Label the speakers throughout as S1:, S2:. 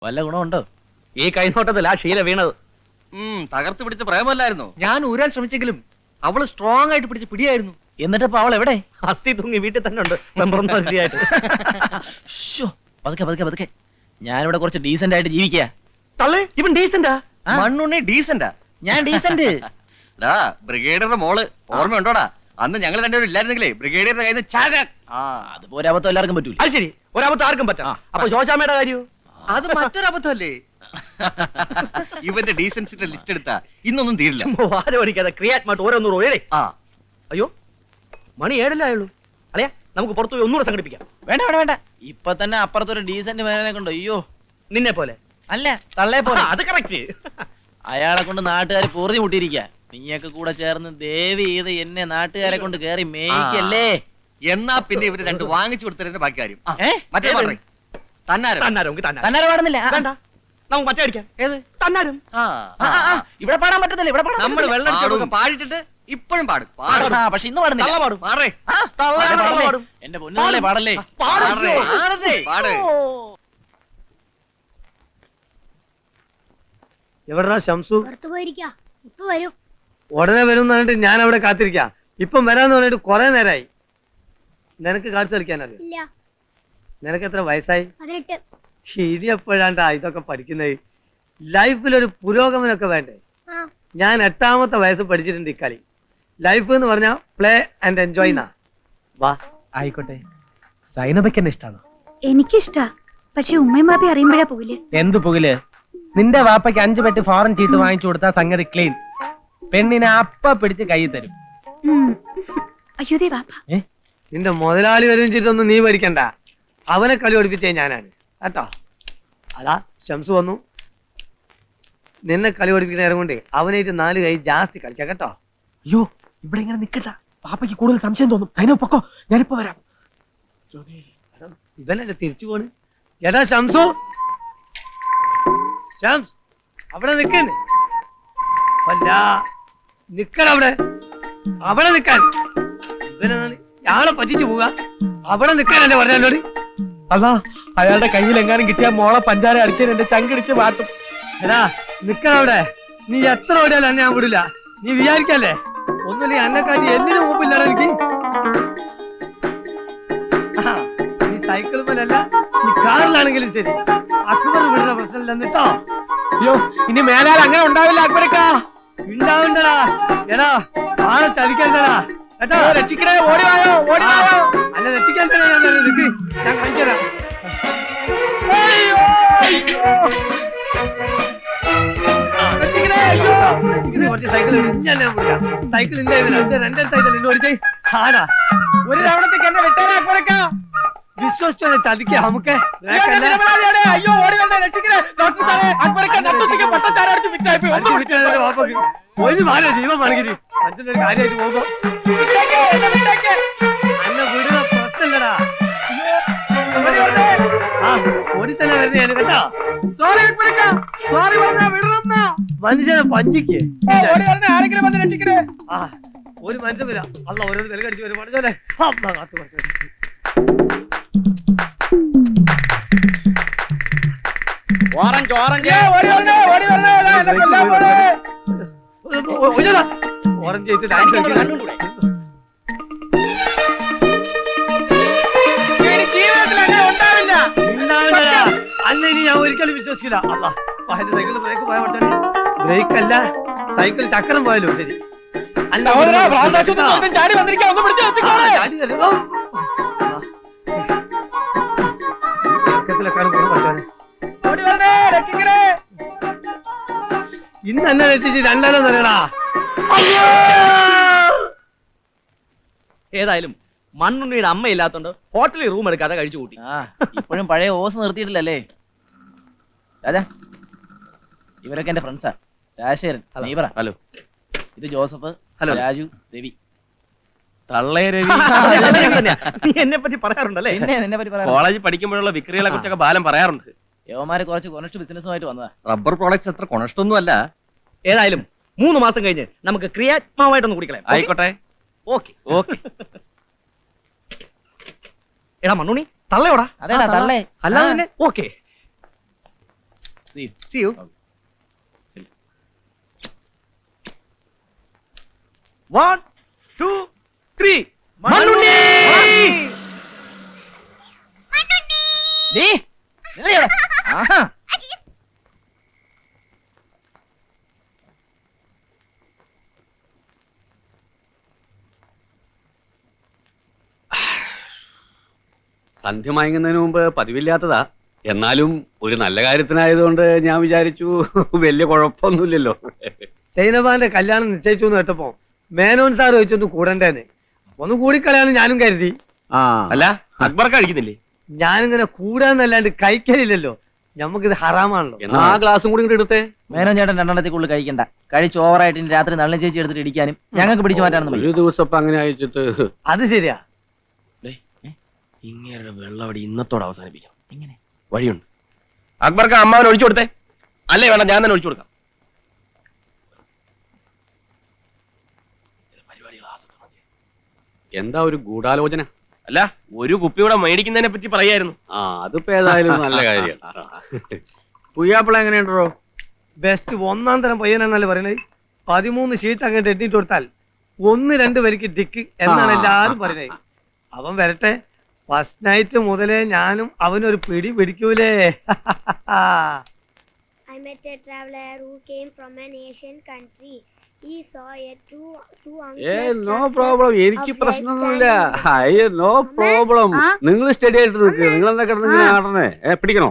S1: വല്ല ഗുണമുണ്ടോ?
S2: ഈ കൈനോട്ടത്തിൽ ആ ശീല വീണത്.
S3: തകർത്ത് പിടിച്ച പ്രേമല്ലായിരുന്നു.
S2: ഞാൻ ഊരാൻ ശ്രമിച്ചെങ്കിലും അവള് സ്ട്രോങ് ആയിട്ട് പിടിച്ച് പിടിയായിരുന്നു.
S1: എന്നിട്ടിപ്പോ അവൾ എവിടെ?
S2: അസ്ഥി തൂങ്ങി വീട്ടിൽ തന്നെ ഉണ്ട്. മതിയായിട്ട്.
S1: പതുക്കെ പതുക്കെ പതുക്കെ. ഞാനിവിടെ കുറച്ച് ഡീസന്റ് ആയിട്ട് ജീവിക്കുക.
S2: തള്ളേ, ഇവൻ ഡീസന്റാ?
S3: മണ്ണുണ്ണി ഡീസന്റാ.
S1: ഞാൻ ഡീസന്റ്.
S3: ബ്രിഗേഡിയറുടെ മോള് ഓർമ്മയുണ്ടോടാ? അന്ന് ഞങ്ങൾ രണ്ടുപേരും ഇല്ലായിരുന്നെങ്കിലേ ബ്രിഗേഡിയറുടെ കയ്യിൽ നിന്ന്
S1: അതുപോലെ അബദ്ധം എല്ലാവർക്കും പറ്റൂല.
S2: അത് ശരി, ഒരബദ്ധം ആർക്കും പറ്റാം. അപ്പൊ ശോശാമ്മയുടെ കാര്യമോ?
S3: അത് മറ്റൊരു അബദ്ധമല്ലേ? ഇവന്റെ ഡീസൻസിന്റെ ലിസ്റ്റ് എടുത്താ ഇന്നൊന്നും തീരില്ല.
S2: പഠിക്കാതെ ക്രിയാറ്റ് ഓരോന്നൂറ് ഒഴേ. അയ്യോ, മണി 7 ആയുള്ളൂ. അല്ലയാ, നമുക്ക് പുറത്തു പോയി ഒന്നുകൂടെ സംഘടിപ്പിക്കാം.
S1: വേണ്ട വേണ്ട വേണ്ട, ഇപ്പൊ തന്നെ അപ്പുറത്തൊരു ഡീസന്റ് മേനെ കൊണ്ടോ. അയ്യോ,
S2: നിന്നെ പോലെ
S1: അല്ല, തള്ളേ പോലെ.
S2: അത് കറക്റ്റ്.
S1: അയാളെ കൊണ്ട് നാട്ടുകാർ പൊറുതി മുട്ടിയിരിക്കുക. നീയൊക്കെ കൂടെ ചേർന്ന് ദേവി ചെയ്ത് എന്നെ നാട്ടുകാരെ കൊണ്ട് കേറി മേയ്ക്കല്ലേ.
S3: എന്നാ പിന്നെ ഇവര് രണ്ട് വാങ്ങിച്ചു കൊടുത്തതിന്റെ ബാക്കി കാര്യം.
S2: മറ്റേ
S1: തന്നാരം പാടുന്നില്ല.
S2: വേണ്ട, നമുക്ക് മറ്റേ അടിക്കാം.
S1: ഏത്
S2: തന്നാരും?
S1: ഇവിടെ പാടാൻ പറ്റത്തില്ല. ഇവിടെ
S3: നമ്മൾ വെള്ളം പാടിട്ടിട്ട് ഇപ്പോഴും പാടും.
S1: പക്ഷെ ഇന്ന് പാടുന്നില്ല.
S2: പാടും.
S1: എന്റെ പൊന്നുകളെ പാടല്ലേ.
S4: എവിടാ ശംസു?
S5: ഇപ്പൊ വരും.
S4: ഉടനെ വരും എന്ന് പറഞ്ഞിട്ട് ഞാൻ അവിടെ കാത്തിരിക്കാം. ഇപ്പം വരാന്ന് പറഞ്ഞിട്ട് കുറെ നേരമായി. നിനക്ക് കാണിച്ചു കളിക്കാനറിയാം? നിനക്ക് എത്ര വയസ്സായി?
S5: 18.
S4: ഇനി എപ്പോഴാണ്ടാ ഇതൊക്കെ പഠിക്കുന്നത്? ലൈഫിലൊരു പുരോഗമനമൊക്കെ വേണ്ടേ? ഞാൻ 8ാമത്തെ വയസ്സ് പഠിച്ചിട്ടുണ്ട് ഈ കളി. ലൈഫ് എന്ന് പറഞ്ഞാൽ പ്ലേ ആൻഡ് എൻജോയ് എന്നാ. വാ.
S2: ആയിക്കോട്ടെ. സൈനബയ്ക്ക് എന്നെ ഇഷ്ടാണോ?
S5: എനിക്കിഷ്ടാ, പക്ഷെ ഉമ്മയും ബാപ്പി അറിയുമ്പോഴാ പോകില്ലേ.
S2: എന്ത് പുകില്? നിന്റെ വാപ്പയ്ക്ക് 5 പെട്ടി ഫോറിൻ ചീട്ട് വാങ്ങിച്ചു കൊടുത്താ സംഗതി ക്ലീൻ. പെണ്ണിനെ അപ്പ പിടിച്ച് കൈ തരും.
S5: അയ്യോദേ വാപ്പ.
S4: നിന്റെ മുതലാളി വരും ചെയ്തൊന്നും നീ പഠിക്കണ്ട. അവനെ കളി പഠിപ്പിച്ചേ ഞാനാണ് കേട്ടോ. അതാ ശംസു വന്നു. നിന്നെ കളി പഠിപ്പിക്കുന്ന നേരം കൊണ്ട് അവനായിട്ട് 4 കൈ ജാസ്തി കളിക്കാം കേട്ടോ.
S2: അയ്യോ, ഇവിടെ ഇങ്ങനെ നിക്കട്ട. പാപ്പയ്ക്ക് കൂടുതൽ സംശയം തോന്നും. സൈനോ പൊക്കോ, ഞാനിപ്പോ വരാം.
S4: ഇവനല്ലേ തിരിച്ചു പോണ്. എടാ ശംസു, ശംസ് അവിടെ നിക്കുന്നു. അല്ല, നിക്കടവിടെ. അവിടെ നിക്കാൻ. ഇവനാണ് ഞാളെ പറ്റിച്ചു പോവുക. അവിടെ നിക്കാനല്ലേ പറഞ്ഞോട്.
S2: അല്ല, അയാളുടെ കയ്യിൽ എങ്ങാനും കിട്ടിയ മോളെ പഞ്ചാര അടിച്ചതിന് എന്റെ ചങ്കിടിച്ച് മാറ്റും.
S4: എടാ നിക്കടവിടെ. നീ എത്ര ഓടിയാലും എന്നെ ഞാൻ വിടില്ല. നീ വിചാരിക്കല്ലേ ഒന്നുമില്ല എന്നെക്കാട്ടി എന്തിനും മുമ്പില്ലടാ എനിക്ക്. നീ സൈക്കിൾ പോലല്ല, നീ കാറിലാണെങ്കിലും ശരി. അക്ബർ വിടുന്ന പ്രശ്നമില്ല എന്നിട്ടോ.
S2: അയ്യോ, ഇനി മേലാൽ അങ്ങനെ ഉണ്ടാവില്ല അക്ബരക്കാ.
S4: ഉണ്ടാവണ്ടടാ. എടാ ആളെ ചതിക്കണ്ടടാ കേട്ടോ.
S2: രക്ഷിക്കണേ, ഓടി വായോ, ഓടി വായോ.
S4: അല്ല രക്ഷിക്കണ്ടേ, ഞാൻ നിക്ക്, ഞാൻ കാണിച്ചു തരാം. കുറച്ച് സൈക്കിൾ ഞാൻ വിളിക്കാം. സൈക്കിൾ ഇന്റെ രണ്ടേ സൈക്കിൾ ഇന്ന് ഓടിച്ചേ. ആടാ
S2: ഒരു തവണത്തേക്ക് എന്നെ വിട്ടേരാ അക്ബരക്കാ.
S4: വിശ്വസിച്ചോ ചതിക്ക നമുക്ക്.
S2: അയ്യോ, ഓടി വേണ്ട, രക്ഷിക്കണേ. ഡോക്ടർ സാറേ, അക്ബരക്ക നട്ടുച്ചയ്ക്ക് പട്ടച്ചാരടിച്ച് വിറ്റായിപ്പോയി.
S4: ഒരു മാറി ജീവൻ വേണമെങ്കിൽ അച്ഛൻ്റെ ഒരു കാര്യമായിട്ട് പോകുമ്പോ അന്നെ വിടുന്ന പ്രശ്നമില്ലടാ. ഓടി തന്നെ വരുന്ന കേട്ടോ.
S2: സോറി അക്ബരക്ക, സോറി പറഞ്ഞാ വിടണം.
S4: മനുഷ്യനെ പഞ്ചിക്ക്
S2: ഓടി വരണേ, ആരെങ്കിലും വന്ന് രക്ഷിക്കണേ.
S4: ഒരു മനുഷ്യൻ വരാം. അല്ല ഓരോ വില കടിച്ചു വരും. പഠിച്ചോലെ കാത്തു പഠിച്ചു.
S2: ഓറഞ്ച് ഓറഞ്ച്, ഓടി വരണേ, ഓടി വരണേ. എന്നെ കൊല്ലാൻ പോണേ.
S4: ഓറഞ്ച് ചെയ്തിട്ട് ഡാൻസ് കളിക്കണം.
S2: ജീവിതത്തിൽ അങ്ങനെ ഉണ്ടാവില്ല.
S4: അല്ല ഇനി ഞാൻ ഒരിക്കലും വിശ്വസിക്കില്ല. അല്ല സൈക്കിൾ ബ്രേക്ക് പോയാൽ പഠിച്ചാൽ ബ്രേക്ക് അല്ല, സൈക്കിൾ ചക്രം പോയാലും ശരി. അല്ല
S2: ചാടി വന്നിരിക്കാൻ ഒന്ന് പിടിച്ചു
S4: ഇന്ന് എന്നെ രക്ഷിച്ച് രണ്ടാലും തരടാ.
S2: ഏതായാലും മണ്ണുണ്ണിയുടെ അമ്മയില്ലാത്തോണ്ട് ഹോട്ടലിൽ റൂം എടുക്കാതെ കഴിച്ചു കൂട്ടി.
S1: ഇപ്പോഴും പഴയ ഓസ് നിർത്തിയിട്ടില്ലല്ലേ രാജാ? ഇവരൊക്കെ എന്റെ ഫ്രണ്ട്സാ. രാജശേഖരൻ, നീ പറ. ഹലോ. ഇത് ജോസഫ്. ഹലോ. രാജു, രവി.
S3: തള്ളേ രവി.
S2: നീ എന്നെ പറ്റി പറയാറുണ്ടല്ലേ?
S1: നിന്നെ പറ്റി പറയാം.
S3: കോളേജിൽ പഠിക്കുമ്പോഴുള്ള വിക്രികളെ കുറിച്ചൊക്കെ ബാലം പറയാറുണ്ട്.
S1: യവന്മാര് കുറച്ച് കൊനസ്റ്റ് ബിസിനസ്സുമായിട്ട് വന്നതാ.
S3: റബ്ബർ പ്രോഡക്ട്സ് അത്ര കൊണഷ്ടൊന്നും അല്ല.
S2: ഏതായാലും 3 മാസം കഴിഞ്ഞ് നമുക്ക് ക്രിയാത്മാവായിട്ടൊന്ന് കുടിക്കളയാം.
S3: ആയിക്കോട്ടെ.
S2: Okay
S3: okay.
S2: എടാ മണ്ണുണ്ണി, തള്ളയോടാ.
S1: അതേടാ തള്ളേ.
S2: അല്ലാതെ okay.
S1: See you.
S3: See you.
S1: Okay.
S3: 1, 2, 3.
S1: നീ നിന്നെ ഇവിടെ. ആഹാ.
S6: സന്ധ്യ മയങ്ങുന്നതിന് മുമ്പ് പതിവില്ലാത്തതാ. എന്നാലും ഒരു നല്ല കാര്യത്തിനായതുകൊണ്ട് ഞാൻ വിചാരിച്ചു വലിയ കുഴപ്പമൊന്നുമില്ലല്ലോ.
S4: സൈനബാന്റെ കല്യാണം നിശ്ചയിച്ചു എന്ന് കേട്ടപ്പോ മേനോൻ സാർ ചോദിച്ചൊന്ന് കൂടണ്ടേന്ന്. ഒന്ന് കൂടിക്കളയാന്ന് ഞാനും കരുതി.
S3: അല്ല അക്ബർക്ക് കഴിക്കുന്നില്ലേ?
S4: ഞാനിങ്ങനെ കൂടാന്നല്ലാണ്ട് കഴിക്കലില്ലല്ലോ. നമുക്കിത് ഹറാമാണല്ലോ.
S6: എന്നാ ആ ഗ്ലാസും കൂടി ഇങ്ങോട്ട് എടുത്തേ.
S1: മേനോൻ ചേട്ടൻ രണ്ടെണ്ണത്തിൽ കഴിക്കണ്ട. കഴിച്ച് ഓവറായിട്ട് ഇനി രാത്രി നല്ല ചേച്ചി എടുത്തിട്ട് ഇടിക്കാനും ഞങ്ങൾക്ക് പിടിച്ചു മാറ്റാനൊന്നും
S6: ഒരു
S1: വയ്യ.
S6: ദിവസം ഇപ്പൊ അങ്ങനെ അയച്ചിട്ട്
S4: അത് ശരിയാ.
S3: ഇങ്ങനെ വെള്ളവടി ഇന്നത്തോടെ അവസാനിപ്പിക്കാം.
S1: എങ്ങനെ?
S3: വഴിയുണ്ട്. അക്ബർക്ക് അമ്മാവൻ ഒഴിച്ചു കൊടുത്തേ. അല്ലേ വേണ്ട, ഞാൻ തന്നെ ഒഴിച്ചു കൊടുക്കാം.
S6: എന്താ ഒരു ഗൂഢാലോചന?
S3: അല്ല, ഒരു കുപ്പിയുടെ മേടിക്കുന്നതിനെ പറ്റി പറയായിരുന്നു.
S6: അതിപ്പോ ഏതായാലും നല്ല കാര്യം. പുയ്യാപ്പിള എങ്ങനെയുണ്ടോ?
S4: ബെസ്റ്റ് ഒന്നാം തരം പയ്യനാണല്ലേ പറയണത്. 13 ഷീറ്റ് അങ്ങോട്ട് എണ്ണിട്ട് കൊടുത്താൽ 1-2 വരിക്ക് ഡിക്ക് എന്നാണ് എല്ലാരും പറയണത്. അവൻ വരട്ടെ. ഫസ്റ്റ് നൈറ്റ് മുതലേ ഞാനും അവനൊരു പിടി പിടിക്കൂലേ.
S7: I met a traveler who came from an Asian country. He saw a two
S6: no
S7: uncles
S6: problem, എനിക്ക് പ്രശ്നമൊന്നുമില്ല. അയ്യോ നോ പ്രോബ്ലം. നിങ്ങൾ സ്റ്റഡി ആയിട്ട് നിൽക്കുക. നിങ്ങൾ എന്താ കിടന്നിങ്ങനെ ആടണേ? പിടിക്കണോ?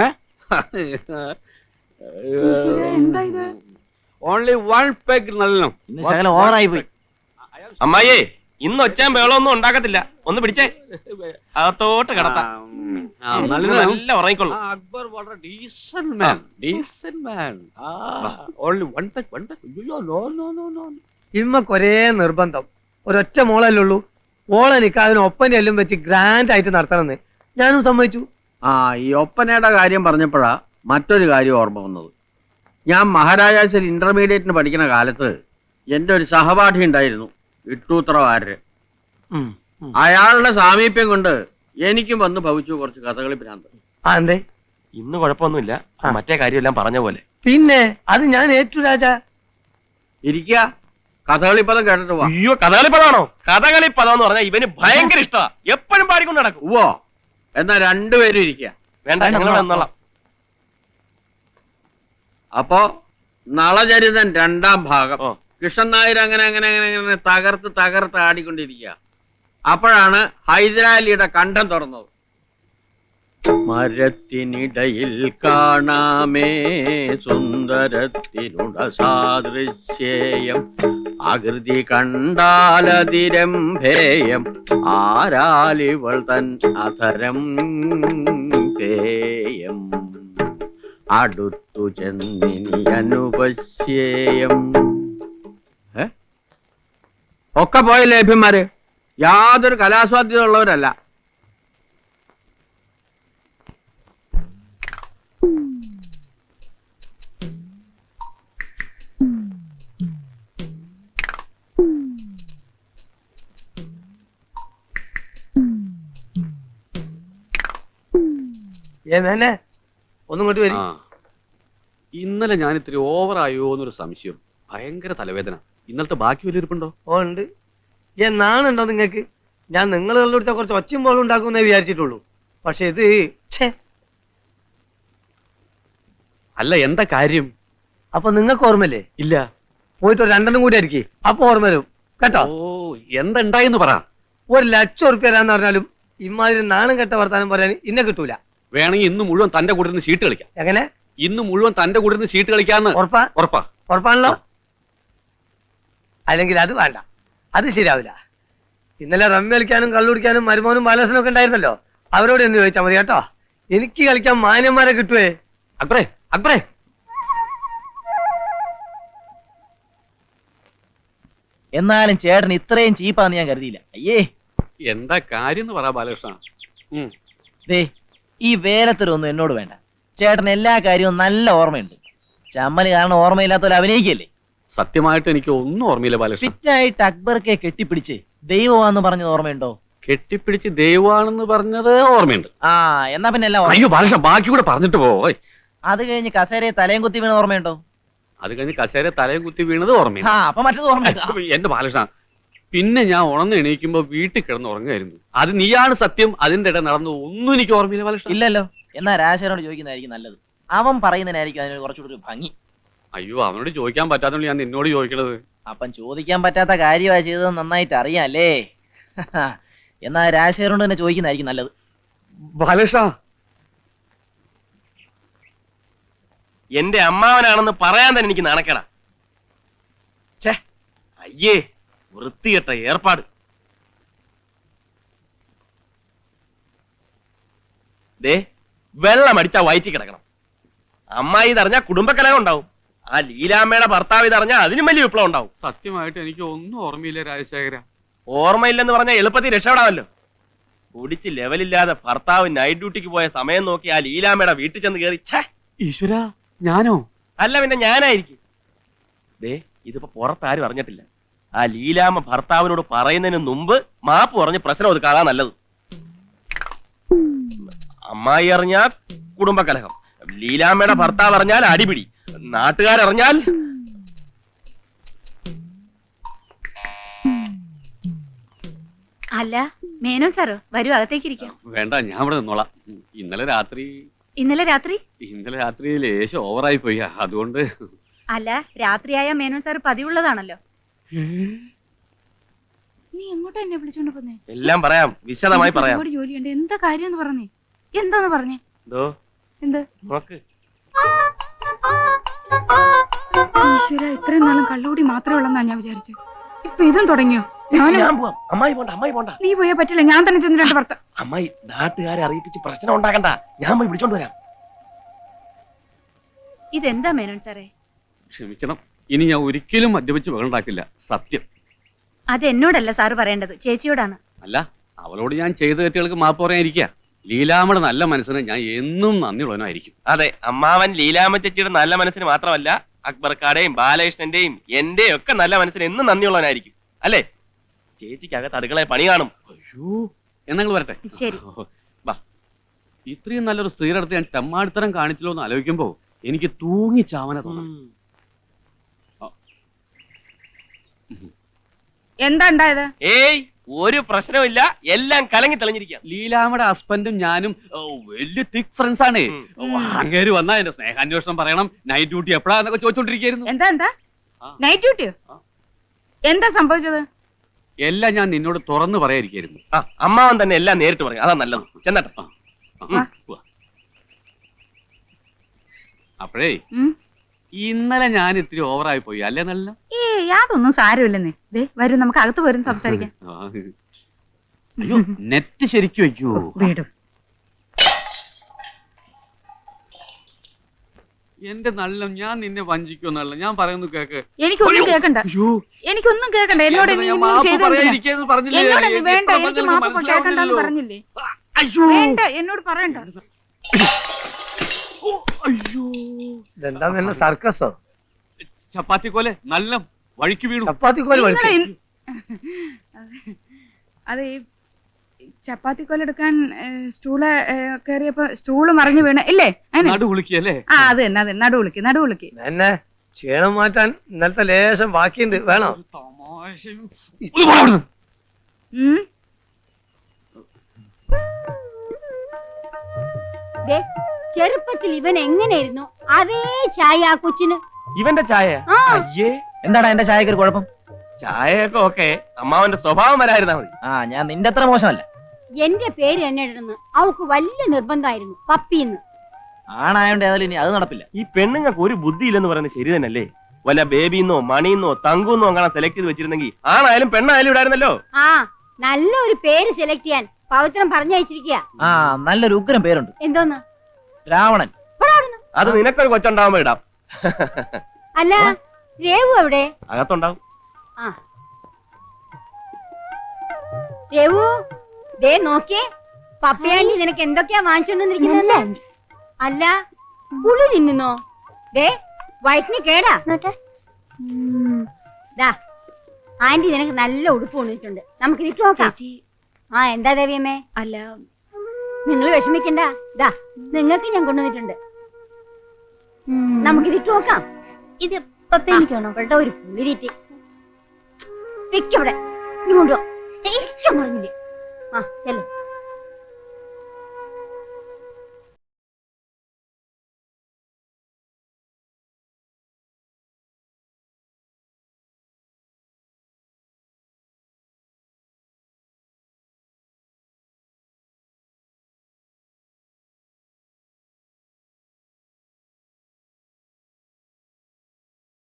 S6: ഓൺലി 1 പെഗ് നല്ലോണം.
S1: ഇന്ന് ശകലം ഓവറായി പോയി.
S3: അമ്മായിയെ, ഇന്ന് ഒച്ചാൻ ബഹളമൊന്നും ഉണ്ടാക്കത്തില്ല. ഒന്ന് പിടിച്ചേ, അകത്തോട്ട് കിടത്താം. നല്ല ഉറങ്ങിക്കൊള്ളു.
S6: അക്ബർ വളരെ decent man. Decent man. Only 1 peg, 1 peg. അയ്യോ നോ നോ നോ നോ.
S4: ഇമ്മക്കൊരേ നിർബന്ധം. ഒരൊറ്റ മോളല്ലേ ഉള്ളൂ. ഓളെ നിക്കാതിന് ഒപ്പനെ എല്ലാം വെച്ച് ഗ്രാൻഡ് ആയിട്ട് നടത്തണമെന്ന് ഞാനും സമ്മതിച്ചു.
S8: ഈ ഒപ്പനയുടെ കാര്യം പറഞ്ഞപ്പോഴാ മറ്റൊരു കാര്യം ഓർമ്മ വന്നത്. ഞാൻ മഹാരാജാസിൽ ഇന്റർമീഡിയറ്റിന് പഠിക്കുന്ന കാലത്ത് എൻ്റെ ഒരു സഹപാഠി ഉണ്ടായിരുന്നു, ഇട്ടൂത്രവാരര്. അയാളുടെ സാമീപ്യം കൊണ്ട് എനിക്കും വന്ന് ഭവിച്ചു കുറച്ച് കഥകളി ഭ്രാന്ത്.
S4: എന്തേ?
S3: ഇന്ന് കുഴപ്പമൊന്നുമില്ല. മറ്റേ കാര്യമെല്ലാം പറഞ്ഞ പോലെ.
S4: പിന്നെ അത് ഞാൻ ഏറ്റു രാജാ.
S8: ഇരിക്കുക, കഥകളിപ്പദം കേട്ടിട്ട് പോവാ.
S3: അയ്യോ, കഥകളിപ്പദാണോ? കഥകളിപ്പദം എന്ന് പറഞ്ഞാൽ ഇവന് ഭയങ്കര ഇഷ്ടമാ. എപ്പോഴും പാടിക്കൊണ്ട് നടക്കും.
S8: ഉവ്വോ, എന്നാ രണ്ടുപേരും ഇരിക്കുക.
S3: വേണ്ട, ഞങ്ങൾ വന്നോളാം.
S8: അപ്പോ നളചരിതൻ 2ാം ഭാഗം.
S3: ഓ.
S8: കൃഷ്ണൻ നായർ അങ്ങനെ അങ്ങനെ അങ്ങനെ അങ്ങനെ തകർത്ത് ആടിക്കൊണ്ടിരിക്കുക. അപ്പോഴാണ് ഹൈദരാലിയുടെ കണ്ഠം തുറന്നത്. മരത്തിനിടയിൽ കാണാമേ സുന്ദരത്തിനുട സാദൃശ്യേയം, ആകൃതി കണ്ടാലതിരംഭേയം, ആരാലിവൾ തൻ അധരം പേയം, അടുത്തു ചെന്നിനി അനുപശ്യേയം. ഒക്കെ പോയ ലേഭ്യന്മാര് യാതൊരു കലാസ്വാദ്യത ഉള്ളവരല്ല.
S4: മേനെ ഒന്നും ഇങ്ങോട്ട് വരും.
S6: ഇന്നലെ ഞാൻ ഇത്തിരി ഓവറായോ എന്നൊരു സംശയം. ഭയങ്കര തലവേദന. ഇന്നലത്തെ ബാക്കി വലിയ ഇരിപ്പുണ്ടോ?
S4: ഉണ്ട്. നാണുണ്ടോ നിങ്ങക്ക്? ഞാൻ നിങ്ങളുടെ അടുത്ത കുറച്ച് ഒച്ചയും പോലും ഉണ്ടാക്കുമെന്നേ വിചാരിച്ചിട്ടുള്ളൂ. പക്ഷെ ഇത്
S6: അല്ല, എന്താ കാര്യം?
S4: അപ്പൊ നിങ്ങൾക്ക് ഓർമ്മല്ലേ?
S6: ഇല്ല.
S4: പോയിട്ട് ഒരു 2 കൂടി ആയിരിക്കും, അപ്പൊ ഓർമ്മ വരും കേട്ടോ.
S6: ഓ, എന്തുണ്ടായെന്ന് പറ.
S4: 1,00,000 ഉറുപ്പ്യ തരാന്ന് പറഞ്ഞാലും ഇമാതിരി നാണം കെട്ട വർത്താനം പറയാൻ ഇന്നെ കിട്ടൂല.
S6: വേണമെങ്കിൽ ഇന്ന് മുഴുവൻ തന്റെ കൂടെ നിന്ന് ഷീട്ട് കളിക്കാം.
S4: എങ്ങനെ?
S6: ഇന്ന് മുഴുവൻ തന്റെ കൂടെ നിന്ന് ഷീട്ട് കളിക്കാന്ന്.
S4: ഉറപ്പാ?
S6: ഉറപ്പാ.
S4: ഉറപ്പാണല്ലോ. അല്ലെങ്കിൽ അത് വേണ്ട, അത് ശരിയാവില്ല. ഇന്നലെ റമ്മി കളിക്കാനും കള്ളുടിക്കാനും മരുമോനും ബാലകൃഷ്ണനും ഒക്കെ ഉണ്ടായിരുന്നല്ലോ. അവരോട് എന്ന് ചോദിച്ചാൽ മതി കേട്ടോ. എനിക്ക് കളിക്കാൻ മാന്യന്മാരെ കിട്ടുവേ.
S6: അക്ബറേ, അക്ബറേ.
S1: എന്നാലും ചേട്ടൻ ഇത്രയും ചീപ്പാന്ന് ഞാൻ കരുതിയില്ല. അയ്യേ,
S6: എന്താ കാര്യം എന്ന് പറ ബാലകൃഷ്ണ.
S1: ദേ ഈ വേലത്തരൊന്നും എന്നോട് വേണ്ട. ചേട്ടൻ എല്ലാ കാര്യവും നല്ല ഓർമ്മയുണ്ട്. ചമ്മല് കാരണം ഓർമ്മയില്ലാത്ത പോലെ അഭിനയിക്കല്ലേ.
S6: സത്യമായിട്ട് എനിക്ക് ഒന്നും ഓർമ്മയില്ല ബാലകൃഷ്ണ.
S1: ഫിറ്റായിട്ട് അക്ബർക്കെ കെട്ടിപ്പിടിച്ച് ദൈവമാന്ന് പറഞ്ഞത് ഓർമ്മയുണ്ടോ?
S6: കെട്ടിപ്പിടിച്ച് ദൈവമാണെന്ന് പറഞ്ഞത് ഓർമ്മയുണ്ട്.
S1: എന്നാ പിന്നെ എല്ലാം ഓർമ്മ.
S6: അയ്യോ ബാലകൃഷ്ണ, ബാക്കി കൂടെ പറഞ്ഞിട്ട് പോ.
S1: അത് കഴിഞ്ഞ് കസേരയെ തലയും കുത്തി വീണ ഓർമ്മയുണ്ടോ?
S6: അത് കഴിഞ്ഞ് കസേര തലയും കുത്തി വീണത് ഓർമ്മയില്ല.
S1: ആ അപ്പൊ മറ്റേത് ഓർമ്മ.
S6: എന്റെ ബാലകൃഷ്ണ, പിന്നെ ഞാൻ ഉണർന്ന് എണീക്കുമ്പോ വീട്ടിൽ കിടന്ന് ഉറങ്ങായിരുന്നു. അത് നീയാണ് സത്യം. അതിന്റെ ഇടയിൽ നടന്നു ഒന്നും എനിക്ക് ഓർമ്മയില്ല ബാലകൃഷ്ണ.
S1: ഇല്ലല്ലോ. എന്നാ രാജശേഖരനോട് ചോദിക്കുന്നതായിരിക്കും നല്ലത്. അവൻ പറയുന്നതിനായിരിക്കും അതിന് കുറച്ചുകൂടി ഒരു ഭംഗി.
S6: അയ്യോ, അവനോട് ചോദിക്കാൻ പറ്റാത്തോണ്ട് ഞാൻ നിന്നോട് ചോദിക്കണത്.
S1: അപ്പം ചോദിക്കാൻ പറ്റാത്ത കാര്യമാണ് ചെയ്തത് നന്നായിട്ട് അറിയാല്ലേ. എന്നാ രാജശേഖരനോട് തന്നെ ചോദിക്കുന്നതായിരിക്കും നല്ലത്.
S6: ബാലകൃഷ്ണ,
S3: എന്റെ അമ്മാവനാണെന്ന് പറയാൻ തന്നെ എനിക്ക് നാണക്കേടാ. ഛേ, അയ്യേ, വൃത്തികെട്ട ഏർപ്പാട്. ദേ, വെള്ളം അടിച്ചാ വയറ്റി കിടക്കണം. അമ്മായി ഇതറിഞ്ഞാ കുടുംബകലഹം ഉണ്ടാവും. ആ ലീലാമ്മയുടെ ഭർത്താവ് ഇതറിഞ്ഞാ അതിനും വലിയ വിപ്ലവം ഉണ്ടാവും.
S6: സത്യമായിട്ട് എനിക്ക് ഒന്നും ഓർമ്മയില്ല രാജശേഖര.
S3: ഓർമ്മയില്ലെന്ന് പറഞ്ഞാൽ എളുപ്പത്തിൽ രക്ഷപ്പെടാമല്ലോ. കുടിച്ച് ലെവലില്ലാതെ ഭർത്താവ് നൈറ്റ് ഡ്യൂട്ടിക്ക് പോയ സമയം നോക്കി ആ ലീലാമ്മയുടെ വീട്ടിൽ ചെന്ന് കയറി. ഛേ,
S6: ഈശ്വര, ഞാനോ?
S3: അല്ല പിന്നെ ഞാനായിരിക്കും. ദേ, ഇതിപ്പോ പുറത്താരും അറിഞ്ഞിട്ടില്ല. ആ ലീലാമ്മ ഭർത്താവിനോട് പറയുന്നതിന് മുമ്പ് മാപ്പ് പറഞ്ഞ് പ്രശ്നം ഒതുക്കാതാ നല്ലത്. അമ്മായി അറിഞ്ഞാൽ കുടുംബകലഹം, ലീലാമ്മയുടെ ഭർത്താവ് അറിഞ്ഞാൽ അടിപിടി, നാട്ടുകാരറിഞ്ഞാൽ
S5: അല്ല മേനോൻ സാറോ, വരൂ അകത്തേക്ക് ഇരിക്കാം.
S6: വേണ്ട, ഞാൻ ഇവിടെ നിന്നോളാം. ഇന്നലെ രാത്രി
S5: ഇന്നലെ രാത്രി
S6: ലേശം ഓവറായി പോയി. അതുകൊണ്ട്.
S5: അല്ല, രാത്രിയായ മേനോൻ സാർ പതിവുള്ളതാണല്ലോ. നീ എങ്ങോട്ടാ എന്നെ വിളിച്ചോണ്ട് പോന്നേ?
S3: എല്ലാം പറയാം, വിശദമായി പറയാം.
S5: ജോലിയുണ്ട്, എന്താ കാര്യം പറഞ്ഞേ? എന്താന്ന് പറഞ്ഞേ? എന്ത്
S3: നോക്ക്.
S5: ഈശ്വര, ഇത്രയും നാളും കള്ളുകൂടി മാത്രമേ ഉള്ളെന്നാ ഞാൻ വിചാരിച്ചു. ഇപ്പൊ ഇതും തുടങ്ങിയോ?
S3: ഞാൻ പോവാം. അമ്മായി പോണ്ട, അമ്മായി പോണ്ട.
S5: നീ പോയാ പറ്റില്ല, ഞാൻ തന്നെ ചെന്ന് രണ്ട് ഭർത്ത.
S3: അമ്മായി നാട്ടുകാരെ അറിയിപ്പിച്ച് പ്രശ്നം ഉണ്ടാക്കണ്ട. ഞാൻ പോയി വിളിച്ചോണ്ട് വരാം.
S5: ഇതെന്താ മേനോൻ സാറേ?
S6: ക്ഷമിക്കണം, ഇനി ഞാൻ ഒരിക്കലും മദ്യപിച്ച് വെള്ളണ്ടാക്കില്ല. സത്യം.
S5: അത് എന്നോടല്ല സാറ് പറയേണ്ടത്, ചേച്ചിയോടാണ്.
S6: അല്ല, അവളോട് ഞാൻ ചെയ്ത തെറ്റുകൾക്ക് മാപ്പ് പറയാനിരിക്കുക. ലീലാമ്മയുടെ നല്ല മനസ്സിന് ഞാൻ എന്നും നന്ദിയുള്ളവനായിരിക്കും.
S3: അതെ, അമ്മാവൻ ലീലാമ്മ ചേച്ചിയുടെ നല്ല മനസ്സിന് മാത്രമല്ല, അക്ബർക്കാടെയും ബാലകൃഷ്ണന്റെയും എന്റെയും ഒക്കെ നല്ല മനസ്സിന് എന്നും നന്ദിയുള്ളവനായിരിക്കും. അല്ലേ? ചേച്ചിക്ക് അകത്ത് അടുക്കളയെ പണി കാണും.
S6: അയ്യോ, എന്നങ്ങൾ വരട്ടെ.
S5: ശരി.
S6: വാ. ഇത്രയും നല്ലൊരു സ്ത്രീയുടെ അടുത്ത് ഞാൻ തെമ്മാടിത്തരം കാണിച്ചല്ലോ എന്ന് ആലോചിക്കുമ്പോ എനിക്ക് തൂങ്ങി ചാവന തോന്നും.
S5: എന്താ ഉണ്ടായത്?
S3: ഏയ്, ഒരു പ്രശ്നമില്ല, എല്ലാം കലങ്ങി തെളിഞ്ഞിരിക്കാം.
S6: ലീലാമ്മയുടെ ഹസ്ബൻഡും ഞാനും വലിയ തിക് ഫ്രണ്ട്സ് ആണ്. അങ്ങേര് വന്നാ എന്റെ സ്നേഹാന്വേഷണം പറയണം, നൈറ്റ് ഡ്യൂട്ടി എപ്പോഴാന്നൊക്കെ ചോദിച്ചോണ്ടിരിക്കുന്നു.
S5: എന്താ നൈറ്റ് ഡ്യൂട്ടിയോ? എന്താ സംഭവിച്ചത്?
S6: എല്ലാം ഞാൻ നിന്നോട് തുറന്നു പറയാതിരിക്കായിരുന്നു.
S3: അമ്മാവൻ തന്നെ എല്ലാം നേരിട്ട് പറയും, അതാ നല്ലത്. ചെന്നട്ടെ.
S6: അപ്പോഴേ, ഇന്നലെ ഞാൻ ഇത്തിരി ഓവറായി പോയി അല്ലേ? നല്ല
S5: യാതൊന്നും സാരമില്ലെന്നേ. വരൂ, നമുക്ക് അകത്ത് വരും സംസാരിക്കാം.
S6: അയ്യോ, നെറ്റ് ശരിക്കും വെക്കൂ.
S5: വീടും
S6: എന്റെ നല്ല, ഞാൻ നിന്നെ വഞ്ചിക്കുമെന്നല്ല ഞാൻ പറയുന്നു, കേക്ക്.
S5: എനിക്കൊന്നും കേക്കണ്ട, എനിക്കൊന്നും കേക്കണ്ട. എന്നോട് വേണ്ട, എനിക്ക് മാപ്പ് കേക്കണ്ടെന്ന് പറഞ്ഞില്ലേ? വേണ്ട, എന്നോട് പറയണ്ട.
S4: ഇതെന്താ നല്ല സർക്കസോ?
S6: ചപ്പാത്തി കോലെ നല്ല വഴിക്ക് വീണു.
S4: ചപ്പാത്തി കോല്
S5: അത് ഈ ചപ്പാത്തിക്കോലെടുക്കാൻ സ്റ്റൂള് കയറിയപ്പോ സ്റ്റൂള് മറിഞ്ഞു വീണ ഇല്ലേ?
S6: നടുവുളിക്കല്ലേ?
S5: ആ, അത് തന്നെ, അത് നടുവുളിക്ക്.
S4: എന്നെ ക്ഷീണം മാറ്റാൻ ഇന്നലത്തെ ലേശം ബാക്കിയുണ്ട്, വേണോ?
S9: ചെറുപ്പത്തിൽ ഇവൻ എങ്ങനെയായിരുന്നു അതേ ചായ ആ കൊച്ചിന്.
S3: ഇവന്റെ ചായ? അയ്യേ,
S1: എന്താടാ എന്റെ ചായക്ക് ഒരു കുഴപ്പം?
S3: ചായയൊക്കെ ഓക്കെ, അമ്മാവന്റെ സ്വഭാവം വരായിരുന്നാ മതി.
S1: ഞാൻ നിന്റെ അത്ര മോശമല്ല.
S9: എന്റെ പേര് തന്നെ ഇടുന്നു അവൾക്ക് വലിയ നിർബന്ധമായിരുന്നു, പപ്പിന്ന്.
S1: ആണായോണ്ട് ഏതായാലും ഇനി അത് നടപ്പില്ല.
S3: ഈ പെണ്ണുങ്ങൾക്ക് ഒരു ബുദ്ധി ഇല്ലെന്ന് പറയുന്നത് ശരി തന്നെയല്ലേ? വല്ല ബേബിന്നോ മണിന്നോ തങ്കുന്നോ അങ്ങനെ സെലക്ട് ചെയ്ത് വെച്ചിരുന്നെങ്കിൽ ആണായാലും പെണ്ണായാലും ഇടായിരുന്നല്ലോ.
S9: ആ, നല്ലൊരു പേര് സെലക്ട് ചെയ്യാൻ പവിത്രം പറഞ്ഞയച്ചിരിക്കുക.
S1: നല്ലൊരു ഉഗ്രം പേരുണ്ട്.
S9: എന്തോന്ന്?
S1: രാവണൻ.
S3: അത് നിനക്കൊരു കൊച്ചുണ്ടാവുമ്പോ ഇടാം.
S9: അല്ല, രേവു എവിടെ?
S3: അകത്തുണ്ടാവും.
S9: രേവു, ദേ നോക്കിയേ, പപ്പയാണ്ടി നിനക്ക് എന്തൊക്കെയാ വാങ്ങിച്ചോണ്ടിരിക്കുന്നല്ലേ? അല്ല, പുളി തിന്നുന്നോ? ദേ, വയറ്റിന് കേടാ. ആന്റി നിനക്ക് നല്ല ഉടുപ്പ് കൊണ്ടിട്ടുണ്ട്, നമുക്ക് ഇതിട്ട് നോക്കാം. എന്താ ദേവിയമ്മേ?
S5: അല്ല,
S9: നിങ്ങൾ വിഷമിക്കണ്ട, നിങ്ങൾക്ക് ഞാൻ കൊണ്ടുവന്നിട്ടുണ്ട്. നമുക്കിത് ഇട്ട് നോക്കാം.
S7: ഇത് പപ്പേനിക്കാണോ?
S9: ഇവളുടെ ഒരു പുളിരീറ്റ്. വെക്കവിടെ. ഇങ്ങോട്ടോ പറഞ്ഞില്ലേ?